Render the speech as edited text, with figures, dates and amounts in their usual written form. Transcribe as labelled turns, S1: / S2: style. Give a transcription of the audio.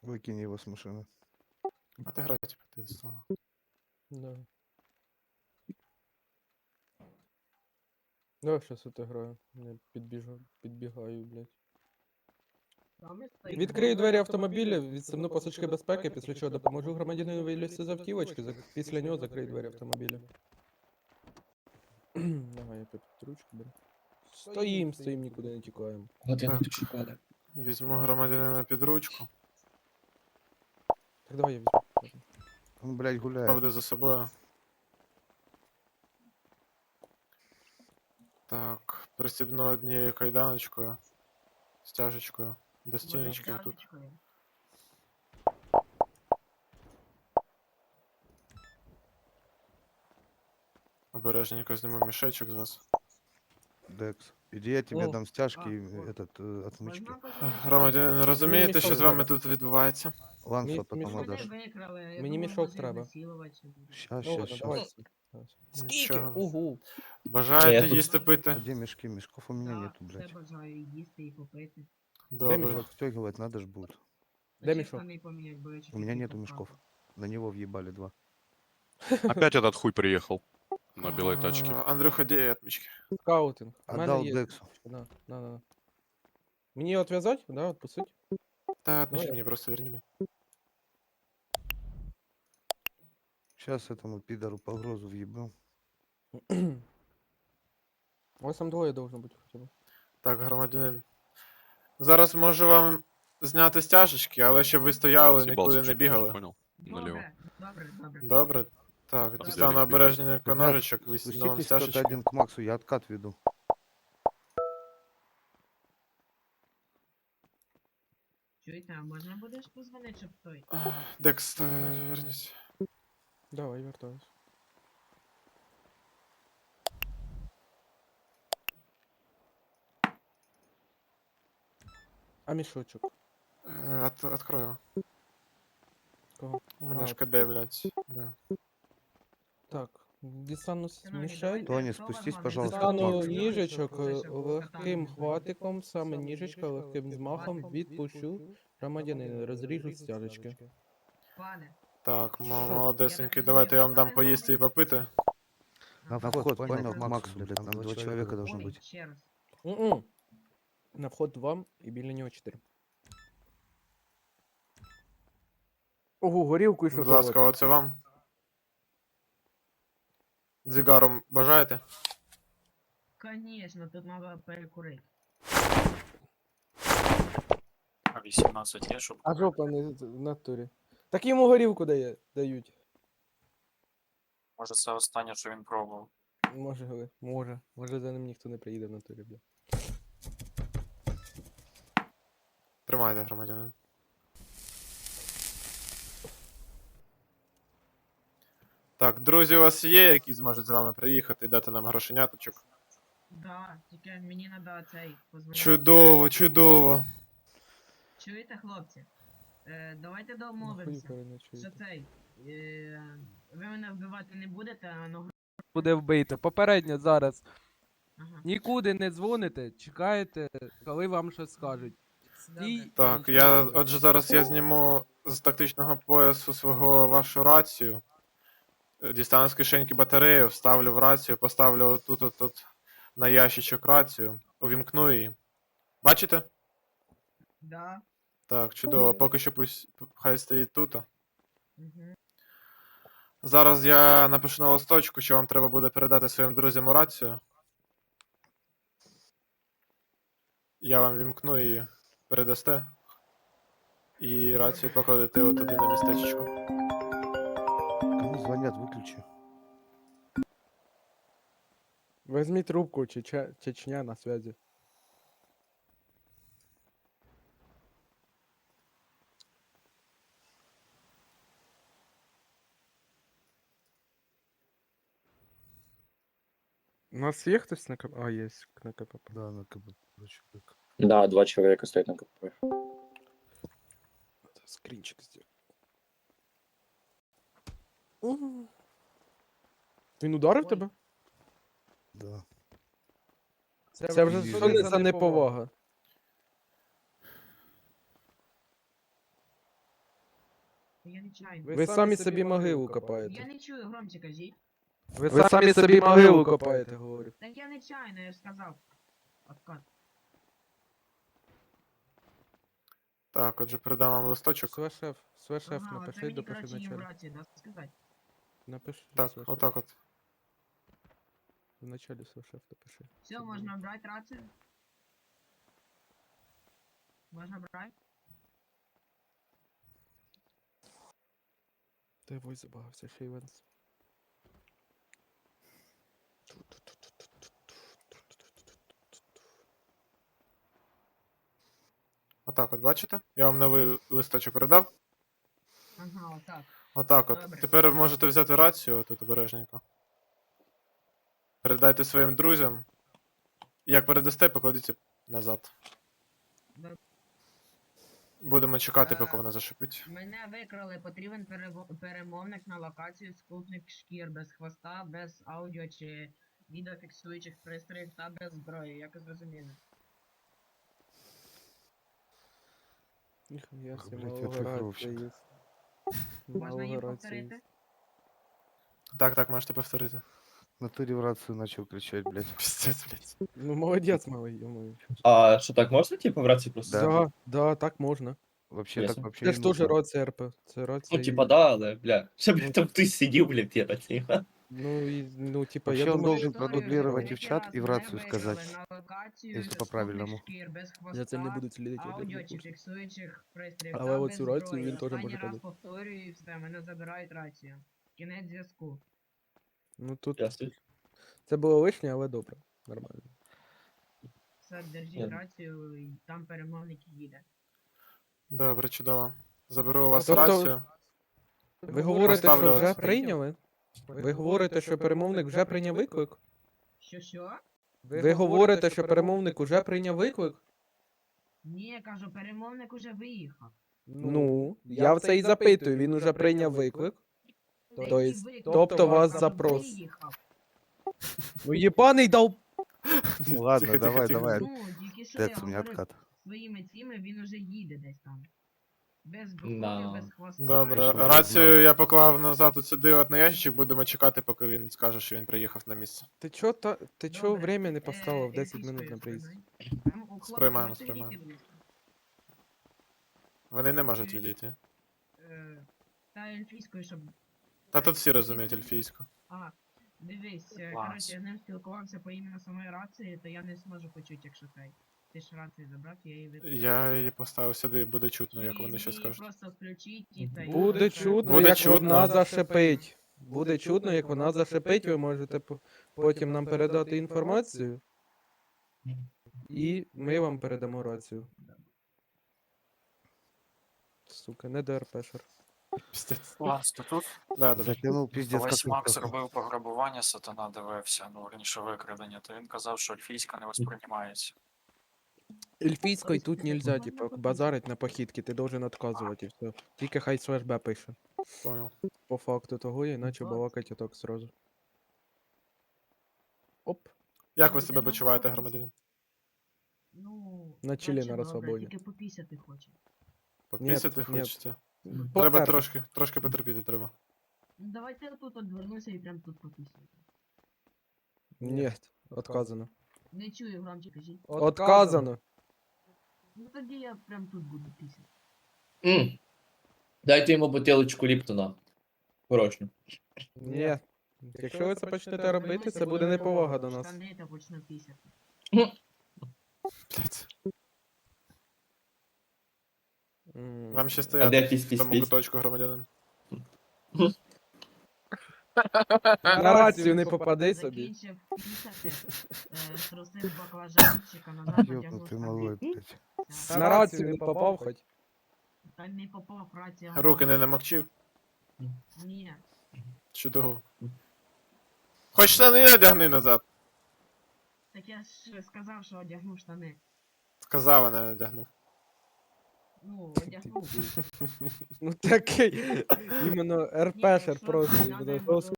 S1: Выкинь его с машины.
S2: Отыграйте ти слово.
S3: Да. Давай щас отиграю. Я підбігаю, блядь. Відкрию двері автомобіля, відсуну пасочки безпеки, після чого допоможу громадянину вилізти з автівочки, після нього закрию двері автомобіля. Давай, я тут ручку беру. Стоїм, нікуди не тікаємо.
S4: Годину
S2: Так.
S4: чекали.
S2: Візьму громадянина під ручку.
S3: Так, давай я візьму.
S1: Он, блядь, гуляет.
S2: Поведу за собою. Так, пристібну однією кайданочкою. Стяжечкою. До стіночки тут. Обережненько зніму мішечок з вас.
S1: Декс. Иди, я тебе
S3: О.
S1: дам стяжки и отмычки.
S2: Громадянин, розумієте, що
S3: мішок
S2: з вами
S3: треба.
S2: тут відбувається?
S1: Ланса
S3: Мішок.
S1: потом
S3: Мене
S1: отдашь.
S3: Мені мішок треба.
S1: Щас,
S3: Ну,
S1: щас,
S3: давай.
S1: щас.
S3: Скільки?
S2: Нічого.
S3: Угу.
S2: Бажаєте
S4: Я тут-
S2: їсти пити?
S1: А где мешки? Мешков у меня нету,
S5: Все
S1: блядь.
S5: бажаю їсти і попити.
S2: Добре.
S3: мішок?
S1: Встегивать надо ж будет.
S3: Де мішок?
S1: У меня нету мешков. На него въебали два.
S6: Опять этот хуй приехал на белой тачке.
S2: Андрюха, де отмічки?
S3: Скаутинг. У мене
S1: Отдал
S3: є.
S1: Дексу.
S3: На. Мені його отв'язати? Да, отпустить?
S2: Та отмічки
S3: Давай.
S2: мені просто верні.
S1: Сейчас этому пидору погрозу въебем.
S3: У вас там двоє должно бути хоча б.
S2: Так, громадянин. Зараз можу вам зняти стяжечки, але щоб ви стояли,
S6: Съебался
S2: нікуди не
S6: чуть ниже,
S2: бігали.
S6: понял? Налево.
S5: Добре, добре, добре.
S2: Добре? Так,
S5: Добре.
S2: дістану
S6: Бігать.
S2: обережненько
S1: Ребят,
S2: ножичок, вісну вам
S1: Спуститесь кто-то
S2: стяжечки.
S1: один к Максу, я откат веду.
S5: Чуєте, а можна будеш позвонити, щоб той?
S2: Декс, вернись.
S3: Давай, вертаюсь. А мішочок?
S2: Открою.
S3: Кого?
S2: У мене
S3: А,
S2: ж КД, блядь. Да.
S3: Так, дістану
S5: Шановні,
S3: мішель.
S5: давайте,
S1: Тоні,
S5: хто вас
S1: спустись,
S5: вам
S1: пожалуйста,
S5: не
S1: к
S3: Дістану
S1: Максу.
S3: ніжечок
S5: Лише
S3: легким
S5: покатання.
S3: хватиком, саме ніжечка легким змахом відпущу громадянина, розріжу стяжечки.
S5: Пане,
S2: Так,
S3: Що?
S2: молодесенький, давайте я вам дам поїсти і попити.
S1: На вход, понял, к Максу, блядь, там два человека должно
S5: ой,
S1: быть.
S5: ще раз.
S3: М-м. На вход 2 і біля нього 4. Ого, горілку і
S2: Будь ласка, оце вам. Дзигаром бажаєте?
S5: Конечно, тут треба перекурити.
S7: А 18 є, щоб
S3: А жопа не в натурі. Так йому горілку дають.
S7: може це останнє, що він пробував.
S3: Може за ним ніхто не приїде в натурі, бля.
S2: Тримайте, громадянин. Так, друзі у вас є, які зможуть з вами приїхати і дати нам грошеняточок?
S5: Да, тільки мені треба цей позвонити.
S2: Чудово, чудово.
S5: Чуєте, хлопці? Давайте
S3: Нахуй
S5: домовимося.
S3: переночуєте.
S5: Що цей? Ви мене вбивати не будете, а ну.
S8: Буде вбито. Попередньо зараз.
S5: Ага.
S8: Нікуди не дзвоните, чекаєте, коли вам щось скажуть. Стій.
S5: Добре.
S2: Так,
S8: нічого
S2: я,
S8: не робіть.
S2: отже, зараз я зніму з тактичного поясу свого вашу рацію. Дістану з кишеньки батарею, вставлю в рацію, поставлю тут на ящичок рацію, увімкну її. Бачите?
S5: Да.
S2: Так, чудово. Поки що пусть хай стоїть тут.
S5: Угу.
S2: Зараз я напишу на листочку, що вам треба буде передати своїм друзям у рацію. Я вам вімкну її, передасте. І рацію покладете от туди на містечко.
S1: Кому звонят, выключи.
S3: Візьміть трубку, Чечня на связі. У нас є хтось на КПП? А, є на КПП.
S1: Да, на КБ, человек.
S4: Да, 2 человека стоят на КПП.
S3: Скринчик сделал. Він ударив
S5: Ой.
S3: тебе?
S1: Да.
S3: Це вже
S1: Ні.
S3: що не за неповага.
S5: Я нечайно.
S3: Ви самі собі могилу
S5: Я
S3: копаєте.
S5: не чую, громче кажіть.
S3: Ви самі собі могилу копаєте, говорю.
S5: Так я нечайно, я ж сказав. Откат.
S2: Так, отже, передам вам листочок.
S3: Свешеф,
S5: Ага, це
S3: напиши,
S5: мені,
S3: допиши
S5: коротше, їм в
S3: вначалі.
S5: рацію, да, сказати?
S3: Напиши,
S2: Так,
S3: свешеф.
S2: отак от.
S3: Вначалі свешеф допиши.
S5: Все, можна брати рацію? Можна брати?
S3: Ти вой забагався, Шейвенс.
S2: Отак от, бачите? Я вам новий листочок передав.
S5: Ага, отак.
S2: Отак от.
S5: Добре.
S2: Тепер ви можете взяти рацію, отут обережненько. Передайте своїм друзям. Як передасте, покладіть назад.
S5: Добре.
S2: Будемо чекати, поки вона зашипить.
S5: Мене викрали, потрібен перемовник на локацію, скупник шкір без хвоста, без аудіо чи відеофіксуючих пристроїв та без зброї, як зрозуміли.
S3: Ніхуя
S1: Ах,
S3: себе,
S1: блядь,
S3: малого
S1: оцифровщик.
S3: рація є.
S5: Можна їм
S3: Малого рація є.
S5: повторити?
S2: Так, можете повторити.
S1: В натуре в рацию начал кричать, блядь.
S2: Пиздец, блядь.
S3: Ну, молодець, малий, йомаю.
S4: А що так можна, типу, в рації просто?
S1: Да.
S3: Да, да, так можна.
S1: Вообще
S4: Ясно.
S1: так вообще
S3: Це
S1: не
S3: ж теж
S1: нужно.
S3: рація РП. Це рація.
S4: Ну, типа, да, але, бля, ще,
S3: Ну,
S4: бля, там хтось сидів, бля, в рації.
S3: Ну, типа,
S1: Вообще
S3: я
S1: он
S3: думаю,
S1: должен
S3: що...
S1: продублировать и в чат, и в рацию сказать.
S5: Если
S1: если по-правильному.
S3: За цим не будуть слідити. я
S5: Аудіо
S3: думаю,
S5: чи
S3: курс.
S5: фіксуючих пристроїв.
S3: Але
S5: та
S3: оцю
S5: без
S3: рацію
S5: зброї.
S3: він теж
S5: Останній
S3: може
S5: раз
S3: подати.
S5: повторюю і все, мене забирають рацію. Кінець зв'язку.
S3: Ну, тут
S4: Ясно.
S3: це було лишнє, але добре. Нормально.
S5: Все, держіть
S4: Ясно.
S5: рацію, і там перемовник їде.
S2: Добре, чудово. Заберу у вас
S3: Тобто-
S2: рацію.
S3: Ви говорите,
S2: Поставлю
S3: що вже
S2: вас.
S3: прийняли? Ви говорите, що перемовник вже прийняв виклик?
S5: Що?
S3: Ви говорите, що перемовник уже прийняв виклик?
S5: Ні, я кажу, перемовник уже виїхав.
S3: Ну, я в це і запитую, він уже прийняв виклик.
S5: Та
S3: То
S5: який
S3: есть,
S5: виклик?
S3: тобто вас
S5: Кажу,
S3: запрос.
S5: виїхав.
S3: Ну, єбаний дав...
S1: Ладно,
S2: Тихо,
S1: давай,
S2: тихо.
S1: давай.
S5: Ну, тільки що я
S1: Дец у меня
S5: говорив
S1: откат.
S5: своїми цими, він уже їде десь там. Без
S4: Да.
S5: зброї, без хвоста.
S2: Добре,
S1: Що ви
S2: рацію я поклав назад от сюди от на ящичок, будемо чекати, поки він скаже, що він приїхав на місце.
S3: Ти чо, ти чо
S5: Добре,
S3: время не поставив 10
S5: ельфійською
S3: минут на приїзд?
S5: сприймай. Хлопці,
S2: Сприймаємо,
S5: можете
S2: сприймаємо.
S5: відійти, будь ласка?
S2: Вони не можуть відійти.
S5: Та ельфійською, щоб...
S2: Та тут всі розуміють ельфійську.
S5: А, дивись,
S7: Клас.
S5: коротше, я з ним спілкувався по імені самої рації, то я не зможу почути, якщо цей. Ти ж рацію забрав, я її виключу.
S2: Я її поставив сюди, буде чутно, як вони щось
S5: Її
S2: скажуть.
S5: просто включіть і та й
S3: Буде
S5: все.
S3: чутно,
S2: Буде
S3: як
S2: чутно.
S3: вона зашипить. Буде чутно, як вона зашипить, ви можете потім нам передати інформацію. І ми вам передамо рацію. Сука, не ДРПшер.
S2: Піздець.
S7: Клас, то тут
S2: Да, да, да.
S1: Затянул пиздец,
S7: колись
S1: как
S7: Макс
S1: легко.
S7: робив пограбування, сатана дивився, ну раніше викрадення, то він казав, що ельфійська не восприймається.
S3: Ельфійською тут нельзя, типа, базарить на похідки, ти должен отказувати і все. Тільки хай слеш Б пише.
S2: Понял.
S3: По факту того, іначе балакать отак сразу. Оп.
S2: Як ви себе почуваєте, громадянин?
S5: Ну,
S3: На чилі,
S5: наче
S3: на
S5: добре,
S3: розслабоні.
S5: Тільки попісяти хоче.
S2: Попісяти
S3: ні.
S2: хочете? Треба
S3: Потерпи.
S2: трошки потерпіти треба.
S5: Ну давайте я тут одвернуся і прям тут попісяти.
S3: Ні, отказано.
S5: Не чую, громче кажіть.
S3: Отказано.
S5: Ну тоді я прям тут буду пісяти.
S4: Дайте йому бутилочку Ліптона. Порожню.
S3: Ні. Якщо ви це почнете робити, це буде неповага до нас.
S5: Штани та почну пісяти.
S2: Блять.
S3: М.
S2: Вам ще
S4: А
S2: стояти
S4: де
S2: в тому
S4: пісь-пісь-пісь?
S2: куточку, громадянин.
S3: На рацію не попади собі.
S5: Закінчив пісяти, струсив баклажанчика, назад натягнув
S1: Ёбнутый малой,
S5: штани.
S1: блядь.
S5: Все.
S3: На рацію не попав хоч.
S5: Та не попав рація.
S2: Руки не намокчив?
S5: Ні.
S2: Чудово. Хоч штани надягни назад.
S5: Так я ж сказав, що одягнув штани.
S2: Сказав, а не надягнув.
S5: Ну, одягнув.
S3: Ну такий. Іменно РПшер
S5: що,
S3: просто.
S5: надо
S3: іменно
S5: було